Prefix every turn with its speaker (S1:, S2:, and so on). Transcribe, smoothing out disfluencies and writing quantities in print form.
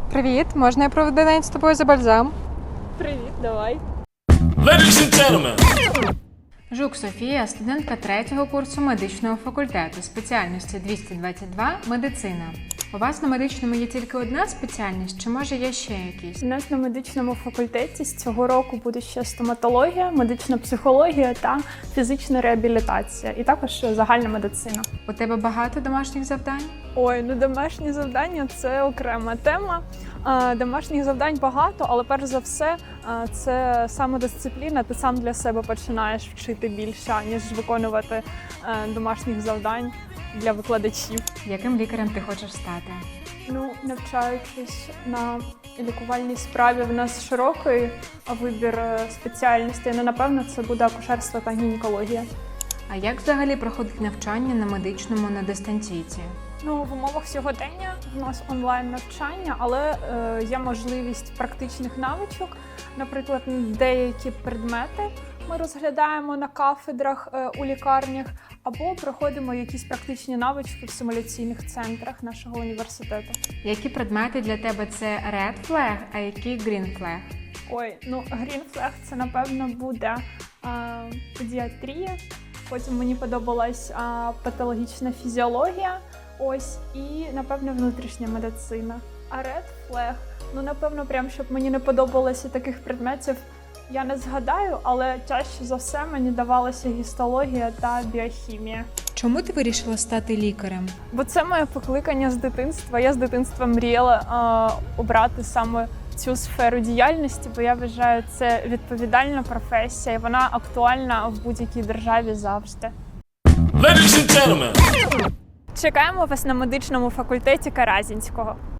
S1: Привіт, можна я проведу день з тобою за бальзам?
S2: Привіт, давай.
S3: Ladies and gentlemen.
S1: Жук Софія, студентка 3-го курсу медичного факультету, спеціальності 222 – медицина. У вас на медичному є тільки одна спеціальність, чи може є ще якісь?
S2: У нас на медичному факультеті з цього року буде ще стоматологія, медична психологія та фізична реабілітація. І також загальна медицина.
S1: У тебе багато домашніх завдань?
S2: Ой, ну домашні завдання – це окрема тема. Домашніх завдань багато, але перш за все це самодисципліна. Ти сам для себе починаєш вчити більше, ніж виконувати домашніх завдань для викладачів.
S1: Яким лікарем ти хочеш стати?
S2: Ну, навчаючись на лікувальній справі, в нас широкий вибір спеціальностей. Ну, напевно, це буде акушерство та гінекологія.
S1: А як взагалі проходить навчання на медичному на дистанційці?
S2: Ну, в умовах сьогодення в нас онлайн-навчання, але є можливість практичних навичок. Наприклад, деякі предмети ми розглядаємо на кафедрах у лікарнях, або проходимо якісь практичні навички в симуляційних центрах нашого університету.
S1: Які предмети для тебе це Red Flag, а які Green Flag?
S2: Ой, ну Green Flag це, напевно, буде педіатрія. Потім мені подобалась патологічна фізіологія. Ось, і, напевно, внутрішня медицина. А Red Flag, ну, напевно, прям, щоб мені не подобалося таких предметів, я не згадаю, але чаще за все мені давалася гістологія та біохімія.
S1: Чому ти вирішила стати лікарем?
S2: Бо це моє покликання з дитинства. Я з дитинства мріяла обрати саме цю сферу діяльності, бо я вважаю, це відповідальна професія, і вона актуальна в будь-якій державі завжди.
S3: Ladies and gentlemen.
S2: Чекаємо вас на медичному факультеті Каразінського.